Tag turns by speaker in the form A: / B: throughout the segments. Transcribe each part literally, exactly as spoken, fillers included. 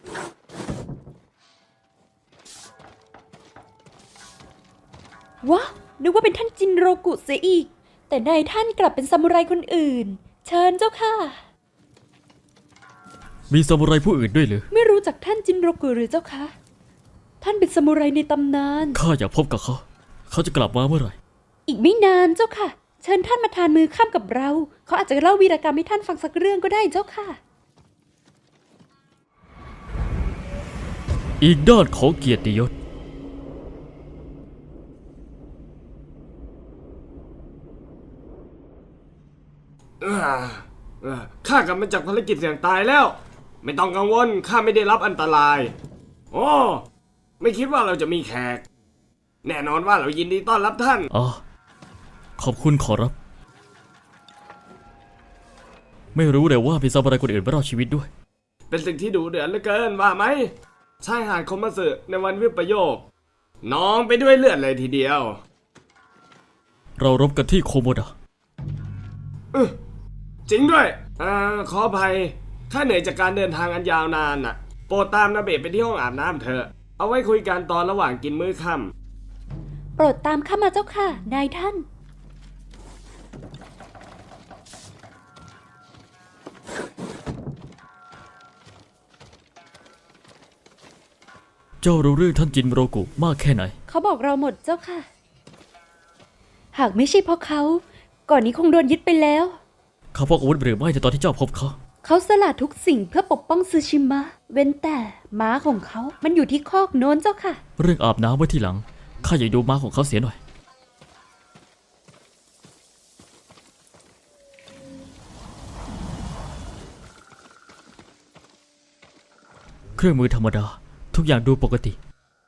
A: วะนึกว่าเป็นท่านจินโรกุเสียอีกแต่นายท่านกลับเป็นซามูไรคนอื่นเชิญเจ้าค่ะ
B: มีซามูไรผู้อื่นด้วยหรือ
A: ไม่รู้จักท่านจินโรกุหรือเจ้าคะท่านเป็นซามูไรในตำนาน
B: ข้าอยากพบกับเขาเขาจะกลับมาเมื่อไหร่
A: อีกไม่นานเจ้าค่ะเชิญท่านมาทานมือข้ามกับเราเขาอาจจะเล่าวีรกรรมให้ท่านฟังสักเรื่องก็ได้เจ้าค่ะ
B: อีกด้านของเกียรติยศ
C: ข้ากลับมาจากภารกิจเสี่ยงตายแล้วไม่ต้องกังวลข้าไม่ได้รับอันตรายโอ้ไม่คิดว่าเราจะมีแขกแน่นอนว่าเรายินดีต้อนรับท่าน
B: อ๋อขอบคุณขอรับไม่รู้เลยว่ามีซามูไรคนอื่นมารอดชีวิตด้วย
C: เป็นสิ่งที่ดุเดือดเหลือเกินว่าไหมชายหาดคมสึในวันวิปโยคน้องไปด้วยเลือดเลยทีเดียว
B: เรารบกันที่โคโมดะ
C: จริงด้วยอ่าขออภัยข้าเหนื่อยจากการเดินทางอันยาวนานน่ะโปรดตามนาเบะไปที่ห้องอาบน้ำเถอะเอาไว้คุยกันตอนระหว่างกินมื้อค่
A: ำโปรดตามข้ามาเจ้าค่ะนายท่าน
B: เจ้ารู้เรื่องท่านจินโรกุมากแค่ไหน
A: เขาบอกเราหมดเจ้าค่ะหากไม่ใช่เพราะเขาก่อนนี้คงโดนยึดไปแล้ว
B: เขาพกอาวุธหรือไม่ในตอนที่เจ้าพบเขา
A: เขาสละทุกสิ่งเพื่อปกป้องซูชิมะเว้นแต่ม้าของเขามันอยู่ที่คอกโน้นเจ้าค่ะ
B: เรื่องอาบน้ำไว้ทีหลังข้าอยากดูม้าของเขาเสียหน่อยเครื่องมือธรรมดาทุกอย่างดูปกติ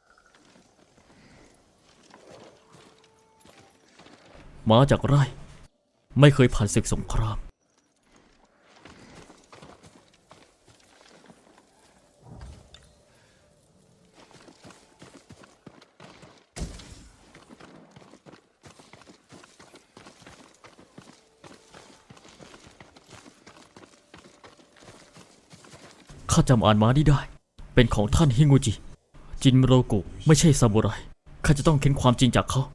B: ม้าจากไร่ไม่เคยผ่านศึกสงครามข้าจำอ่านม้านี้ได้เป็นของท่านฮิงูจิจินโรกุไม่ใช่ซามูไรข้าจะต้องเค้นความจริงจากเขา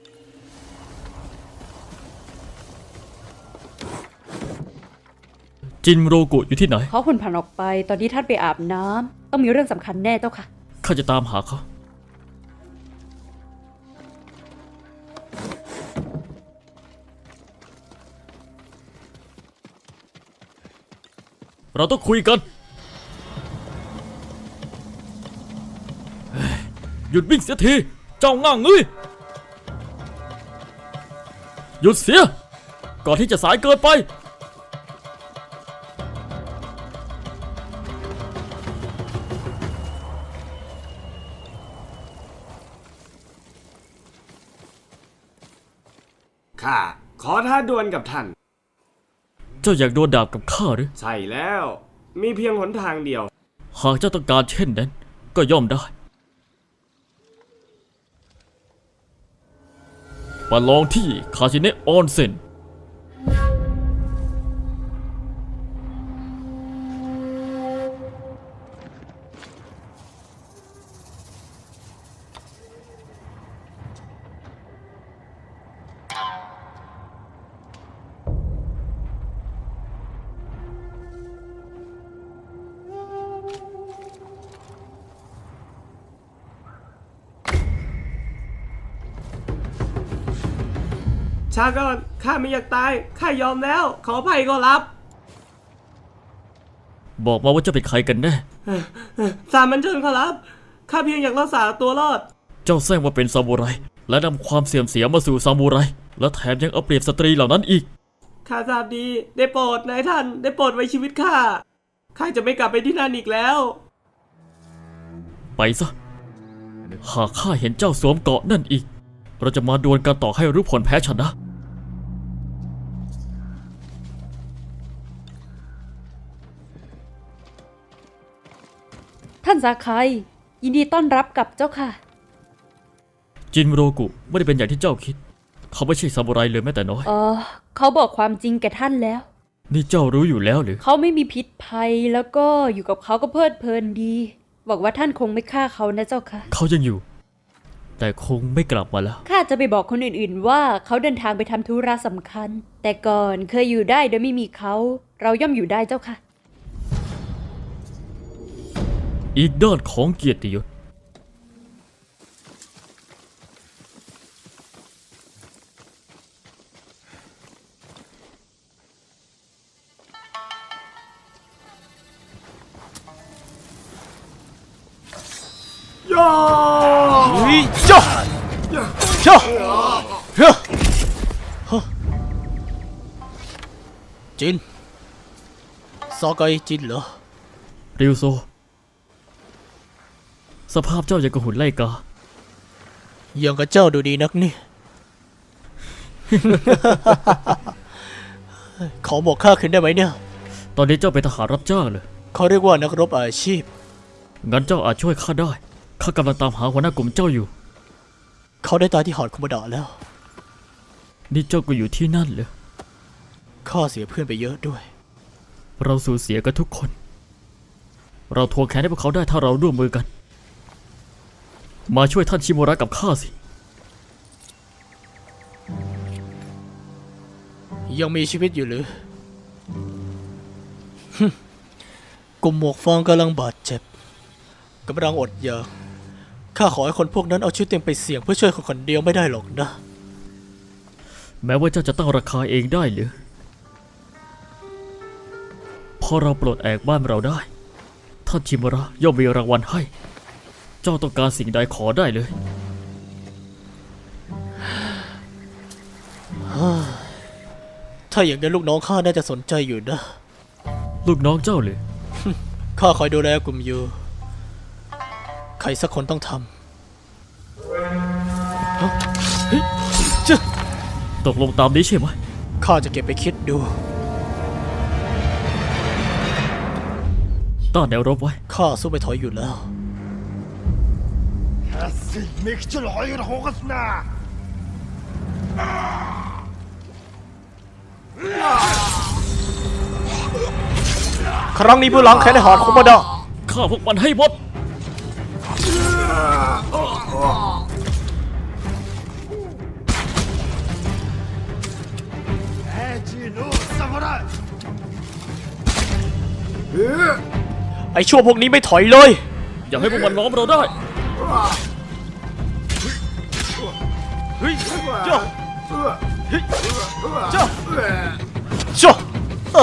B: จินโรกุอยู่ที่ไหน
A: เขาหุ่นผ่านออกไปตอนที่ท่านไปอาบน้ำต้องมีเรื่องสำคัญแน่เจ้าค่ะ
B: ข้าจะตามหาเขาเราต้องคุยกันหยุดวิ่งเสียทีเจ้าง่างเอ้ยหยุดเสียก่อนที่จะสายเกินไป
C: ข้าขอท้าดวลกับท่าน
B: เจ้าอยากโดนดาบกับข้าหรือ
C: ใช่แล้วมีเพียงหนทางเดียว
B: หากเจ้าต้องการเช่นนั้นก็ย่อมได้มาลองที่คาชิเนะออนเซ็น
C: ชาก่อนข้าไม่อยากตายข้ายอมแล้วขออภัยก็รับ
B: บอกมาว่าเจ้าเป็นใครกันแน่
C: สามัญชนขอรับข้าเพียงอยากรักษาตัวรอด
B: เจ้าแซงว่าเป็นซามูไรและนำความเสื่อมเสียมาสู่ซามูไรและแถมยังเอาเปรียบสตรีเหล่านั้นอีก
C: ข้าทราบดีได้โปรดนายท่านได้โปรดไว้ชีวิตข้าข้าจะไม่กลับไปที่นั่นอีกแล้ว
B: ไปซะหากข้าเห็นเจ้าสวมเกราะนั่นอีกเราจะมาดวลกันต่อให้รู้ผลแพ้ชนะ
A: ท่านซาไคยินดีต้อนรับกับเจ้าค่ะ
B: จินโรกุไม่ได้เป็นอย่างที่เจ้าคิดเขาไม่ใช่ซามูไรเลยแม้แต่น้อย
A: เออเขาบอกความจริงแก่ท่านแล้ว
B: นี่เจ้ารู้อยู่แล้วหรือ
A: เขาไม่มีพิษภัยแล้วก็อยู่กับเขาก็เพลิดเพลินดีหวังว่าท่านคงไม่ฆ่าเขานะเจ้าค่ะ
B: เขายังอยู่ แต่คงไม่กลับมาแล้ว
A: ข้าจะไปบอกคนอื่นๆว่าเขาเดินทางไปทำธุระสำคัญ แต่ก่อนเคยอยู่ได้โดยไม่มีเขา เราย่อมอยู่ได้เจ้าค่ะ
B: อีกด้านของเกียรติยศ
D: เฮ้ยจ้าจ้าเฮ้ยฮะจินซอไกจินเหรอ
B: ริวโซ สภาพเจ้าอย่างกับหุ่นไล่กา
D: ยังกับเจ้าดูดีนักนี่ ขอบอกข้าคืนได้ไหมเนี่ย
B: ตอนนี้เจ้าเป็นทหารรับจ้างเลย
D: เขาเรียกว่านักรบอาชีพ
B: งั้นเจ้าอาจช่วยข้าได้ ข้ากำลังตามหาหัวหน้ากลุ่มเจ้าอยู่
D: เขาได้ตายที่หอดคุมดะแล้ว
B: นี่เจ้าก็อยู่ที่นั่นเลย
D: ข้าเสียเพื่อนไปเยอะด้วย
B: เราสูญเสียกันทุกคน เราทวงแค้นให้พวกเขาได้ถ้าเราร่วมมือกัน มาช่วยท่านชิโมระกับข้าสิ
D: ยังมีชีวิตอยู่หรือ ฮึ่มกลุ่มหมวกฟางกำลังบาดเจ็บกำลังอดอยากข้าขอให้คนพวกนั้นเอาชีวิตเต็มไปเสี่ยงเพื่อช่วยคนคนเดียวไม่ได้หรอกนะ
B: แม้ว่าเจ้าจะตั้งราคาเองได้หรือ พอเราปลดแอกบ้านเราได้ ท่านชิโมระย่อมมีรางวัลให้ เจ้าต้องการสิ่งใดขอได้เลย
D: ถ้าอย่างนั้นลูกน้องข้าน่าจะสนใจอยู่นะ
B: ลูกน้องเจ้าเลย
D: ข้าคอยดูแลกลุ่มอยู่ ใครสักคนต้องทำฮะเฮ้ยเจ้า
B: ตกลงตามนี้ใช่ไหม
D: ข้าจะเก็บไปคิดดู
B: ต้านแนวรบไว้
D: ข้าสู้ไม่ถอยอยู่แล้ว
E: ميكت العير هوغسنا
D: ครั้งนี้เพื่อล้างแค้นให้หอดคุมดะ
B: ฆ่าพวกมันให้หมด
E: اجي نو ساموراي
D: ไอชั่วพวกนี้ไม่ถอยเลย
B: อย่าให้พวกมันล้อมเราได้
D: เฮ้ยเจ้าเฮ้ยเจ้าเจ้าเอ้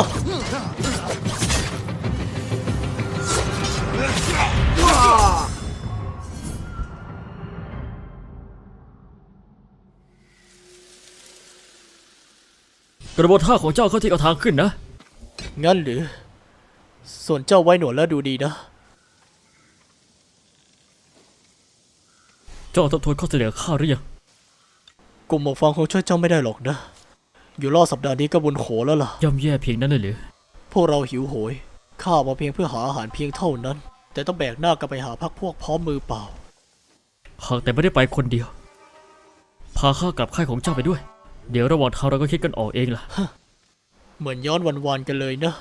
D: อก
B: ระบวนท่าของเจ้าเข้าที่เอาทางขึ้นนะ
D: งั้นหรือ ส่วนเจ้าไว้หนวดแล้วดูดีนะ
B: เจ้าทบทวนข้อเสนอข้าหรือยัง
D: กลุ่มหมวกฟางคงช่วยเจ้าไม่ได้หรอกนะ อยู่รอดสัปดาห์นี้ก็บุญโขแล้วล่ะ
B: ย่ำแย่เพียงนั้นเลยหรือ
D: พวกเราหิวโหย ข้ามาเพียงเพื่อหาอาหารเพียงเท่านั้น แต่ต้องแบกหน้ากลับไปหาพักพวกพร้อมมือเปล่า
B: หากแต่ไม่ได้ไปคนเดียว พาข้ากลับค่ายของเจ้าไปด้วย เดี๋ยวระหว่างทางเราก็คิดกันออกเองล่ะ
D: เหมือนย้อนวันๆกันเลยนะ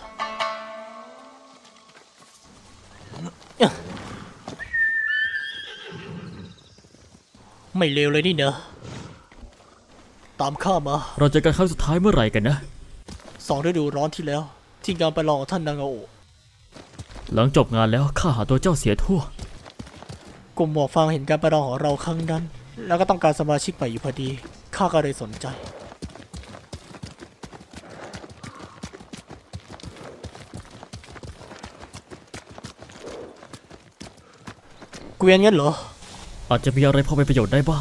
D: ไม่เลวเลยนี่นะ ตามข้ามา
B: เราเจอกันครั้งสุดท้ายเมื่อไหร่กันนะ
D: สองฤดูร้อนที่แล้ว ที่งานประลองของท่านนางาโอะ
B: หลังจบงานแล้วข้าหาตัวเจ้าเสียทั่ว
D: กลุ่มหมวกฟางเห็นการประลองของเราครั้งนั้น แล้วก็ต้องการสมาชิกใหม่อยู่พอดี ข้าก็เลยสนใจ เกวียนงั้นเหรอ
B: อาจจะมีอะไรพอเป็นประโยชน์ได้บ้าง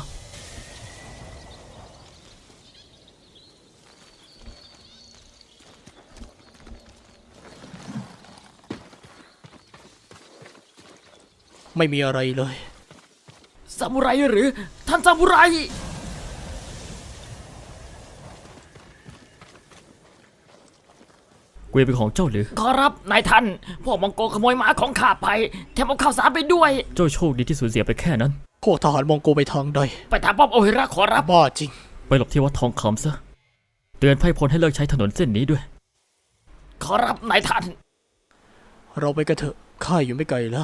D: ไม่มีอะไรเลย
B: ซามูไรหรือ ท่านซามูไร เกวียนเป็นของเจ้าหรือ
F: ขอรับนายท่าน พวกมองโกขโมยม้าของข้าไป แถมเอาข้าวสารไปด้วย
B: เจ้าโชคดีที่สูญเสียไปแค่นั้น
D: พวกทหารมองโกไปทางใด
F: ไปถามป้อมโอฮิระขอรับ
D: บ้าจริง
B: ไปหลบที่วัดทองคำซะ เตือนไพร่พลให้เลิกใช้ถนนเส้นนี้ด้วย
F: ขอรับนายท่าน
D: เราไปกันเถอะข้าอยู่ไม่ไกลแล้ว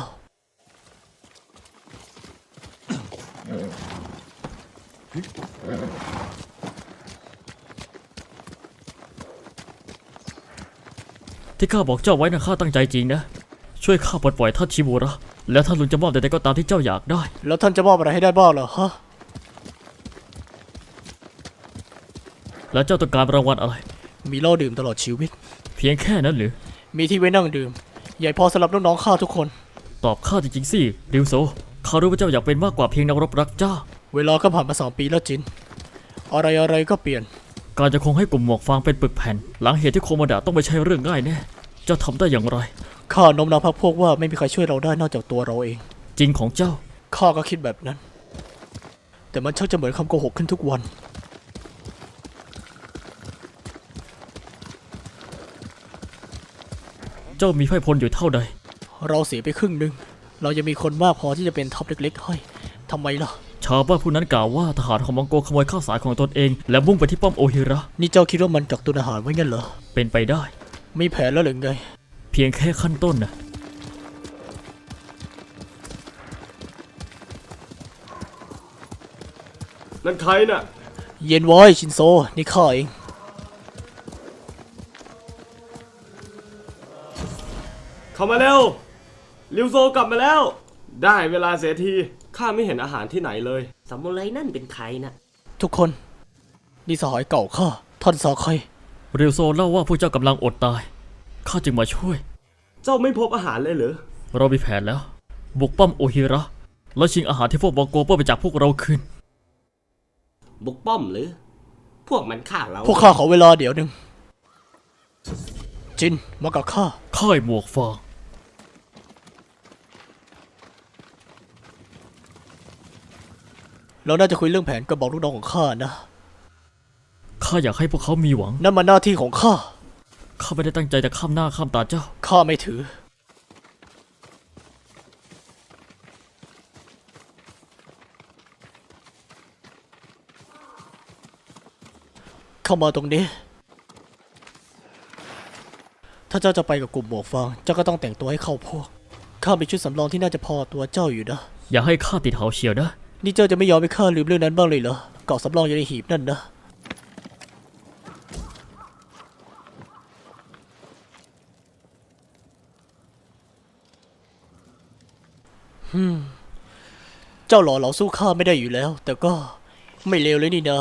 B: ที่ข้าบอกเจ้าไว้นะข้าตั้งใจจริงนะ ช่วยข้าปลดปล่อยท่านชิมูระ แล้วท่านลุงจะมอบใดๆก็ตามที่เจ้าอยากได้
D: แล้วท่านจะมอบอะไรให้ได้บ้างเหรอฮะ
B: แล้วเจ้าต้องการรางวัลอะไร
D: มีเหล้าดื่มตลอดชีวิต
B: เพียงแค่นั้นหรือ
D: มีที่ไว้นั่งดื่ม ใหญ่พอสำหรับน้องๆข้าทุกคน
B: ตอบข้าจริงๆสิริวโซข้ารู้ว่าเจ้าอยากเป็นมากกว่าเพียงนักรบรักเจ้า
D: เวลาก็ผ่านมาสองปีแล้วจิน อะไรอะไรๆก็เปลี่ยน
B: การจะคงให้กลุ่มหมวกฟางเป็นปึกแผ่น หลังเหตุที่โคโมดะต้องไม่ใช่เรื่องง่ายแน่เจ้าทำได้อย่างไร
D: ข้าโน้มน้าวพรรคพวกว่าไม่มีใครช่วยเราได้นอกจากตัวเราเอง
B: จริงของเจ้า
D: ข้าก็คิดแบบนั้น แต่มันชักจะเหมือนคำโกหกขึ้นทุกวัน
B: เจ้ามีไพร่พลอยู่เท่าใด
D: เราเสียไปครึ่งหนึ่ง เรายังมีคนมากพอที่จะเป็นท็อปเล็กๆให้ทำไมล่ะ
B: ชาวบ้านผู้นั้นกล่าวว่าทหารของมองโกขโมยข้าวสารของตนเอง และมุ่งไปที่ป้อมโอฮิระ
D: นี่เจ้าคิดว่ามันกักตุนอาหารไว้งั้นเหรอ
B: เป็นไปได้
D: มีแผนแล้วหรือไง
B: เพียงแค่ขั้นต้นนะ
C: นั่นใครน่ะ
D: เย็นไว้ชินโซ นี่ข้าเอง
C: เข้ามาเร็วริวโซกลับมาแล้ว ได้เวลาเสียทีข้าไม่เห็นอาหารที่ไหนเลย
G: สมุไรนั่นเป็นใครนะ
D: ทุกคน นี่สหายเก่าข้า ท่านซาไค
B: เรียวโซเล่าว่าพวกเจ้ากำลังอดตาย ข้าจึงมาช่วย
C: เจ้าไม่พบอาหารเลยเหรอ
B: เรามีแผนแล้ว บุกป้อมโอฮิระ แล้วชิงอาหารที่พวกมองโกปล้นไปจากพวกเราคืน
G: บุกป้อมหรือ พวกมันฆ่าเรา
D: พวกข้าขอเวลาเดี๋ยวหนึ่ง จิน มากับข้า
B: ค่ายหมวกฟาง
D: เราน่าจะคุยเรื่องแผนกับบอกลูกน้องของข้านะ
B: ข้าอยากให้พวกเขามีหวัง
D: นั่นมันหน้าที่ของข้า
B: ข้าไม่ได้ตั้งใจจะข้ามหน้าข้ามตาเจ้า
D: ข้าไม่ถือ เข้ามาตรงนี้ ถ้าเจ้าจะไปกับกลุ่มหมวกฟาง เจ้าก็ต้องแต่งตัวให้เข้าพวก ข้ามีชุดสำรองที่น่าจะพอตัวเจ้าอยู่นะ
B: อย่าให้ข้าติดเหาเฉียวนะ
D: นี่เจ้าจะไม่ยอมให้ข้าลืมเรื่องนั้นบ้างเลยเหรอ เกาะสำรองอยู่ในหีบนั่นนะ ฮึมเจ้าหล่อเหลาสู้ข้าไม่ได้อยู่แล้ว แต่ก็ไม่เลวเลยนี่นะ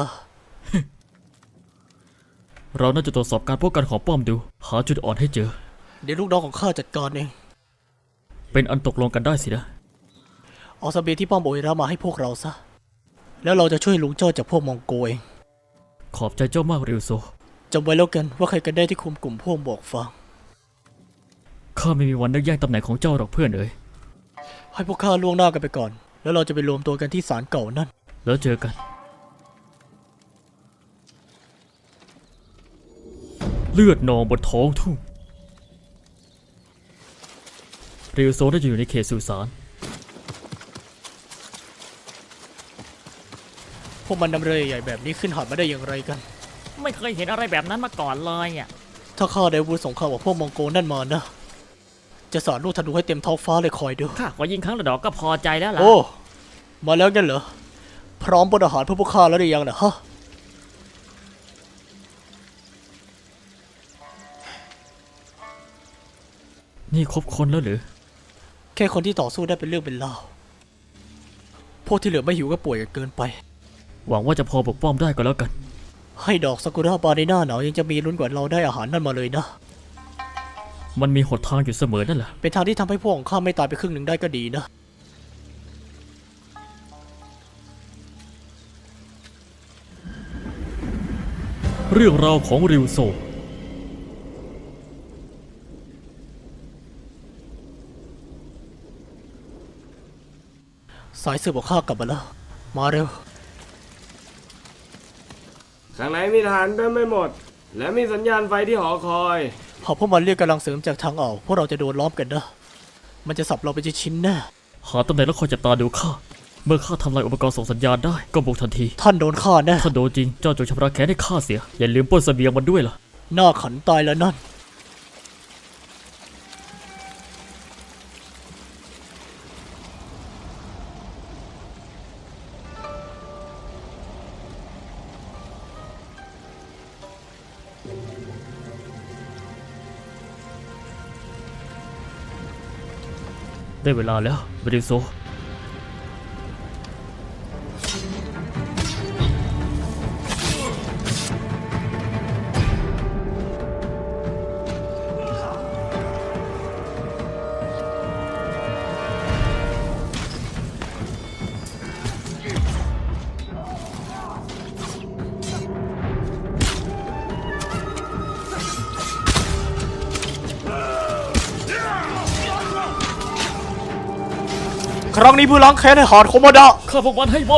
B: เราน่าจะตรวจสอบการป้องกันของป้อมดู หาจุดอ่อนให้เจอ
D: เดี๋ยวลูกน้องของข้าจัดการเอง
B: เป็นอันตกลงกันได้สินะ
D: เอาเสบียงที่ป้อมโอเอรามาให้พวกเราซะ แล้วเราจะช่วยลุงเจ้าจากพวกมองโกเอง
B: ขอบใจเจ้ามากเรียวโซ
D: จำไว้แล้วกันว่าใครกันได้ที่คุมกลุ่มพวกบอกฟัง
B: ข้าไม่มีวันนึกแย่งตำแหน่งของเจ้าหรอกเพื่อนเอ๋ย
D: ให้พวกข้าล่วงหน้ากันไปก่อน แล้วเราจะไปรวมตัวกันที่ศาลเก่านั่น
B: แล้วเจอกัน เลือดนองบนท้องทุ่งเรียวโซได้อยู่ในเขตสุสาน
D: พวกมันนำเรือใหญ่แบบนี้ขึ้นหาดมาได้อย่างไรกัน
F: ไม่เคยเห็นอะไรแบบนั้นมาก่อนเลยอ่ะ
D: ถ้าข้าได้อาวุธสงครามกับพวกมองโกนั่นมานะ จะสาดลูกธนูให้เต็มท้องฟ้าเลยคอยดู
F: ข้าขอยิงครั้งละดอกก็พอใจแล้วล่ะ
D: โอ้ มาแล้วงั้นเหรอ พร้อมบนอาหารเพื่อพวกข้าแล้วหรือยังนะฮะ
B: นี่ครบคนแล้วหรือ
D: แค่คนที่ต่อสู้ได้เป็นเรื่องเป็นราว พวกที่เหลือไม่หิวก็ป่วยกันเกินไป
B: หวังว่าจะพอปกป้องได้ก็แล้วกัน
D: ให้ดอกซากุระบานในหน้าหนาวยังจะมีลุ้นกว่าเราได้อาหารนั่นมาเลยนะ
B: มันมีหนทางอยู่เสมอนั่นแหละ
D: เป็นทางที่ทำให้พวกของข้าไม่ตายไปครึ่งหนึ่งได้ก็ดีนะ
B: เรื่องราวของริวโซ
D: สายสืบของข้ากลับมาแล้ว มาเร็ว
C: ข้างในมีทหารเต็มไม่หมด และมีสัญญาณไฟที่หอคอย
D: พอพวกมันเรียกกำลังเสริมจากทางอ่าวพวกเราจะโดนล้อมกันนะ มันจะสับเราไปชิ้นๆแน่
B: หาตำแหน่งแล้วคอยจับตาดูข้า เมื่อข้าทำลายอุปกรณ์ส่งสัญญาณได้ก็บุกทันที
D: ท่านโดนฆ่าแน่
B: ถ้าโดนจริงเจ้าจงชำระแค้นให้ข้าเสีย อย่าลืมปล้นเสบียงมันด้วยล่ะ
D: หน้าขันตายแล้วนั่น
B: ได้เวลาแล้วบริโซ
D: ครั้งนี้ผู้ล้างแค้นให้หาดโคโมดะ
B: ฆ่าพวกมันให้หมด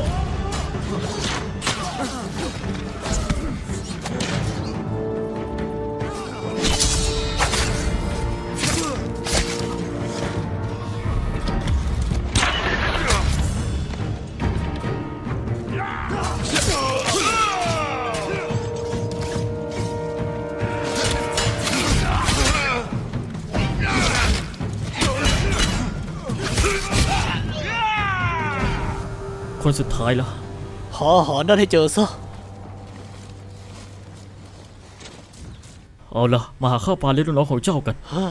B: คนสุดท้ายแล้ว
D: หาอาหารนั่นให้เจอซะ
B: เอาละมาหาข้าวปลาเลี้ยงลูกน้องของเจ้ากัน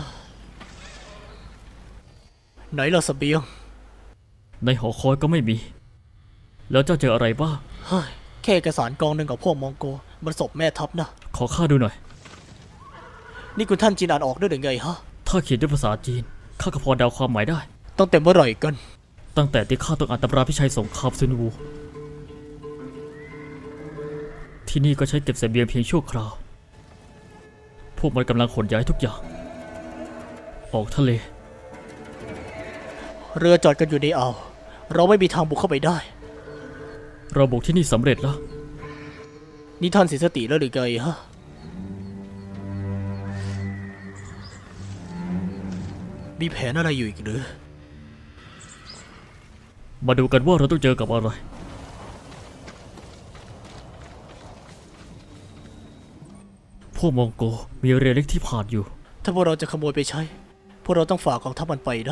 D: ไหนล่ะเสบียง
B: ในหอคอยก็ไม่มี แล้วเจ้าเจออะไรบ้าง
D: เฮ้ยแค่เอกสารกองหนึ่งกับพวกมองโกมันศพแม่ทัพนะ
B: ขอข้าดูหน่อย
D: นี่คุณท่านจีนอ่านออกด้วยหรือไงฮะ
B: ถ้าเขียนด้วยภาษาจีนข้าก็พอเดาความหมายได้
D: ต้องเต็มเมื่อไหร่กัน
B: ตั้งแต่ที่ข้าต้องอ่านตำราพิชัยสงครามซุนวู ที่นี่ก็ใช้เก็บเสบียงเพียงชั่วคราว พวกมันกำลังขนย้ายทุกอย่าง ออกทะเล
D: เรือจอดกันอยู่ในอ่าว เราไม่มีทางบุกเข้าไปได้
B: เราบุกที่นี่สำเร็จแล้ว
D: นี่ท่านเสียสติแล้วหรือไงฮะ มีแผนอะไรอยู่อีกหรือ
B: มาดูกันว่าเราต้องเจอกับอะไร พวกมองโกมีเรือเล็กที่ผ่านอยู่
D: ถ้าพวกเราจะขโมยไปใช้ พวกเราต้องฝากกองทัพมันไปนะ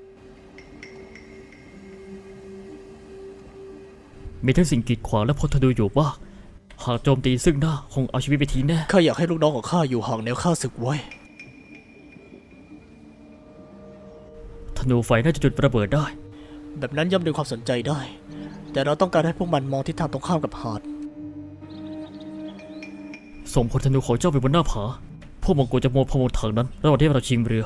B: มีทั้งสิ่งกีดขวางและพลธนูอยู่บ้างหากโจมตีซึ่งหน้าคงเอาชีวิตไปทิ้งแน่
D: ข้าอยากให้ลูกน้องของข้าอยู่ห่างแนวข้าศึกไว้
B: ธนูไฟน่าจะจุดระเบิดได้
D: แบบนั้นย่อมดึงความสนใจได้ แต่เราต้องการให้พวกมันมองทิศทางตรงข้ามกับหาด
B: ส่งพลธนูของเจ้าไปบนหน้าผา พวกมองโกจะโมพมงทางนั้นระหว่างที่เราชิงเรือ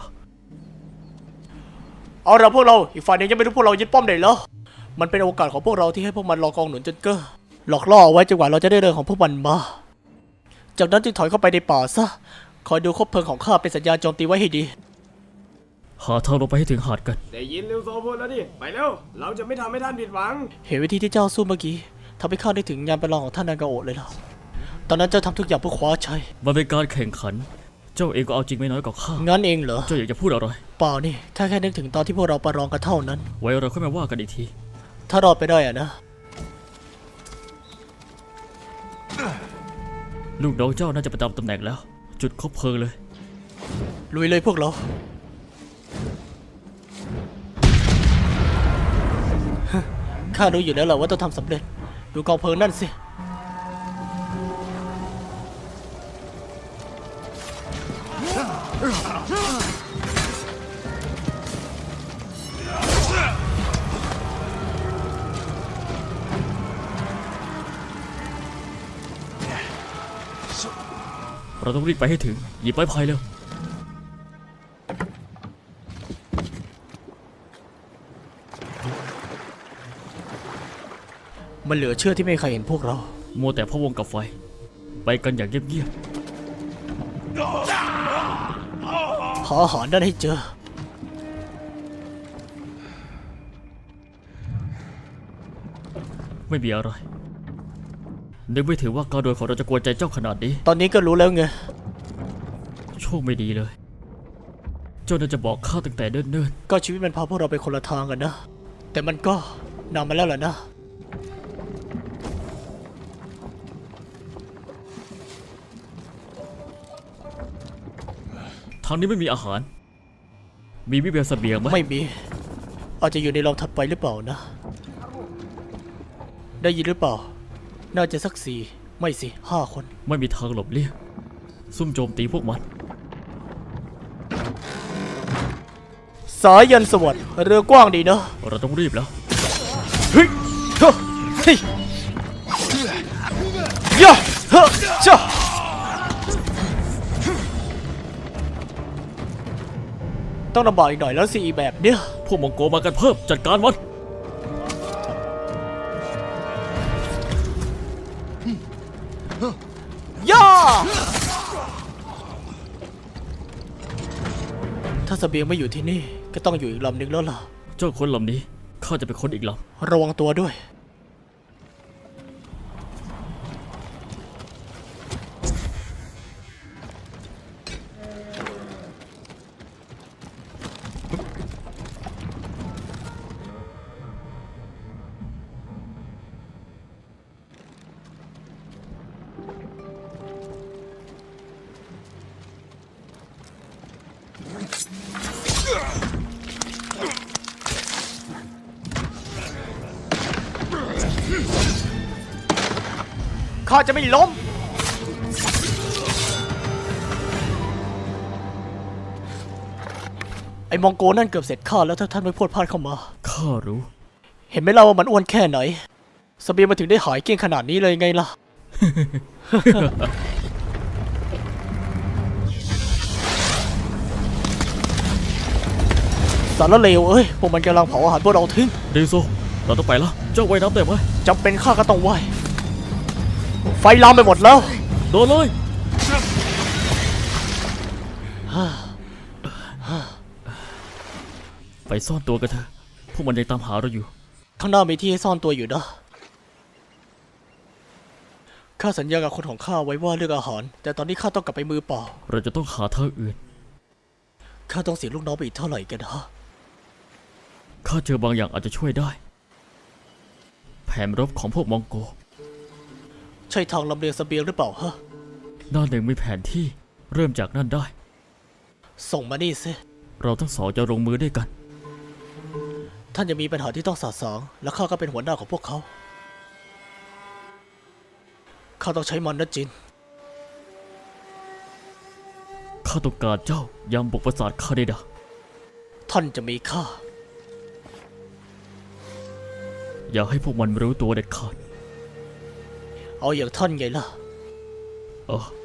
D: เอาละพวกเรา อีกฝ่ายหนึงยังไม่รู้พวกเรายึดป้อมไหนแล้ว มันเป็นโอกาสของพวกเราที่ให้พวกมันรอกองหนุนจนเก้อหลอกล่อเอาไว้จนกว่าเราจะได้เรือของพวกมันมา จากนั้นจึงถอยเข้าไปในป่าซะ คอยดูคบเพลิงของข้าเป็นสัญญาณโจมตีไว้ให้ดี
B: หาทางลงไปให้ถึงหาดกัน
C: ได้ยินลิวโซพูดแล้วดิ ไปเร็ว เราจะไม่ทำให้ท่านผิดหวัง
D: เห็นวิธีที่เจ้าสู้เมื่อกี้ทำให้ข้าได้ถึงงานประลองของท่านนางาโอะเลยล่ะ ตอนนั้นเจ้าทำทุกอย่างเพื่อคว้าชัย
B: มันเป็นการแข่งขัน เจ้าเองก็เอาจริงไม่น้อยกว่าข้า
D: งั้นเองเหรอ
B: เจ้าอยากจะพูดอะไร
D: เปล่านี่แค่แค่นึกถึงตอนที่พวกเราประลองกันเท่านั้น
B: ไว้เราค่อยมาว่ากันอีกที
D: ถ้ารอดไปได้อะนะ
B: ลูกน้องเจ้าน่าจะประจำตำแหน่งแล้ว จุดคบเพลิงเลย
D: ลุยเลยพวกเรา ข้ารู้อยู่แล้วแหละว่าต้องทำสำเร็จ ดูกองเพลิงนั่นสิ
B: เราต้องรีบไปให้ถึง หยิบไม้พายเร็ว
D: มันเหลือเชื่อที่ไม่มีใครเห็นพวกเรา
B: มัวแต่พะวงกับไฟ ไปกันอย่างเงียบ
D: หาอาหารนั่นให้เจอ
B: ๆ ไม่มีอะไร นึกไม่ถึงว่าการโดนของเราจะกวนใจเจ้าขนาดนี้
D: ตอนนี้ก็รู้แล้วไง
B: โชคไม่ดีเลย เจ้าน่าจะบอกข้าตั้งแต่เนิ่น
D: ก็ชีวิตมันพาพวกเราไปคนละทางกันนะ แต่มันก็นำมาแล้วแหละนะ
B: ๆ ทางนี้ไม่มีอาหาร มีวิเบียเสบียงไหม
D: ไม่มี อาจจะอยู่ในรองถัดไปหรือเปล่านะ ได้ยินหรือเปล่า น่าจะสักสี่ไม่สิห้าคน
B: ไม่มีทางหลบเลี่ยง ซุ่มโจมตีพวกมัน
D: สสายยันสวัสดิ์เรือกว้างดีเนอะ
B: เราต้องรีบแล้ว
D: เฮ้ยเฮ้ยเฮ้ยย่าเฮ้ยจ้าต้องลำบากอีกหน่อยแล้วสิแบบเนี้ย
B: พวกมองโกมากันเพิ่มจัดการมัน
D: ย่าถ้าเสบียงไม่อยู่ที่นี่ก็ต้องอยู่อีกลำหนึ่งแล้วล่ะ
B: เจ้าคนลำนี้ข้าจะเป็นคนอีกล
D: ระวังตัวด้วย ข้าจะไม่ล้ม ไอ้มองโกนั่นเกือบเสร็จข้าแล้วถ้าท่านไม่พูดพลาดเข้ามา
B: ำข้ารู้
D: เห็นไหมล่ะว่ามันอ้วนแค่ไหนเสบียงมาถึงได้หายเกลี้ยงขนาดนี้เลยไงล่ะ สารเลวเอ้ย พวกมันกำลังเผาอาหารพวกเราทิ้ง
B: เดโซ เราต้องไปแล้ว เจ้าว่ายน้ำได้ไหม
D: จำเป็นข้าก็ต้องไหวไฟลามไปหมดแล้ว
B: โดนเลย ไปซ่อนตัวกันเถอะ พวกมันยังตามหาเราอยู่
D: ข้างหน้ามีที่ให้ซ่อนตัวอยู่นะ ข้าสัญญากับคนของข้าไว้ว่าเรื่องอาหาร แต่ตอนนี้ข้าต้องกลับไปมือเปล่า
B: เราจะต้องหาทางอื่น
D: ข้าต้องเสียลูกน้องไปอีกเท่าไหร่กันฮะ
B: ข้าเจอบางอย่างอาจจะช่วยได้ แผนรบของพวกมองโก
D: ใช่ทางลำเลียงเสบียงหรือเปล่าฮะ
B: ด้านหนึ่งมีแผนที่เริ่มจากนั่นได้
D: ส่งมานี่สิ
B: เราทั้งสองจะลงมือด้วยกัน
D: ท่านจะมีปัญหาที่ต้องสาสางและข้าก็เป็นหัวหน้าของพวกเขา ข้าต้องใช้มันนะจิน
B: ข้าต้องการเจ้า ยามบุกปราสาทคาเดดา
D: ท่านจะมีค่า
B: อย่าให้พวกมันรู้ตัวเด็ดขาด
D: เอาอย่างท่านไงล่ะ
B: เออ